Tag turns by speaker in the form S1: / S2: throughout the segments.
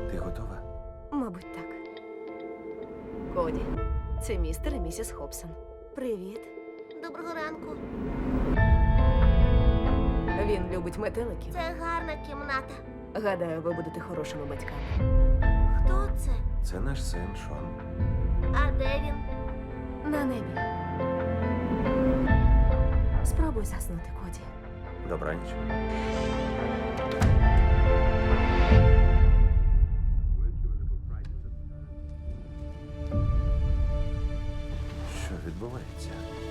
S1: Ти готова?
S2: Мабуть, так. Коді, це містер і місіс Хобсон. Привіт.
S3: Доброго ранку.
S2: Він любить метеликів.
S3: Це гарна кімната.
S2: Гадаю, ви будете хорошими батьками.
S3: Хто це?
S1: Це наш син Шон.
S3: А де він?
S2: На небі. Спробуй заснути, Коді.
S1: Добраніч. Що відбувається?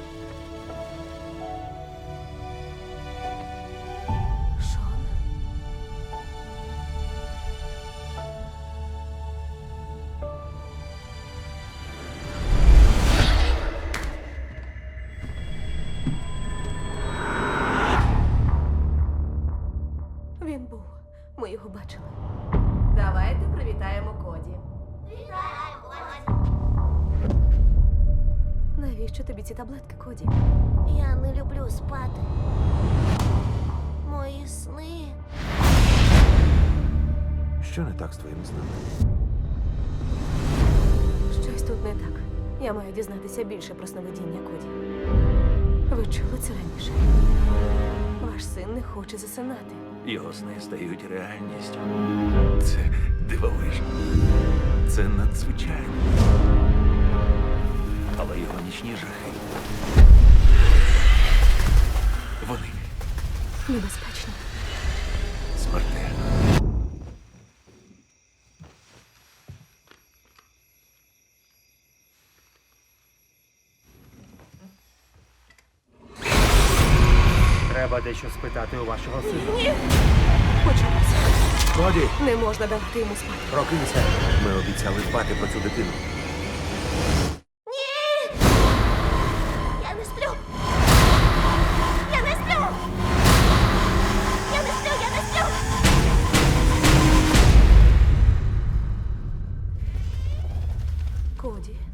S2: Шон? Він був. Ми його бачили. Давайте привітаємо Коді. Навіщо тобі ці таблетки, Коді?
S3: Я не люблю спати. Мої сни.
S1: Що не так з твоїм сном?
S2: Щось тут не так. Я маю дізнатися більше про сновидіння Коді. Ви чули це раніше? Ваш син не хоче засинати.
S4: Його сни стають реальністю. Це дивовижно. Це надзвичайно. Але його нічні жахи. Вони
S2: Небезпечно.
S4: смертельні.
S5: Треба дещо спитати у вашого сина.
S2: Почалося.
S1: Коді!
S2: Не можна давати йому спати.
S1: Прокинься! Ми обіцяли дбати про цю дитину.
S3: Я не сплю. Я не сплю. Я не сплю, я не сплю.
S2: Коді,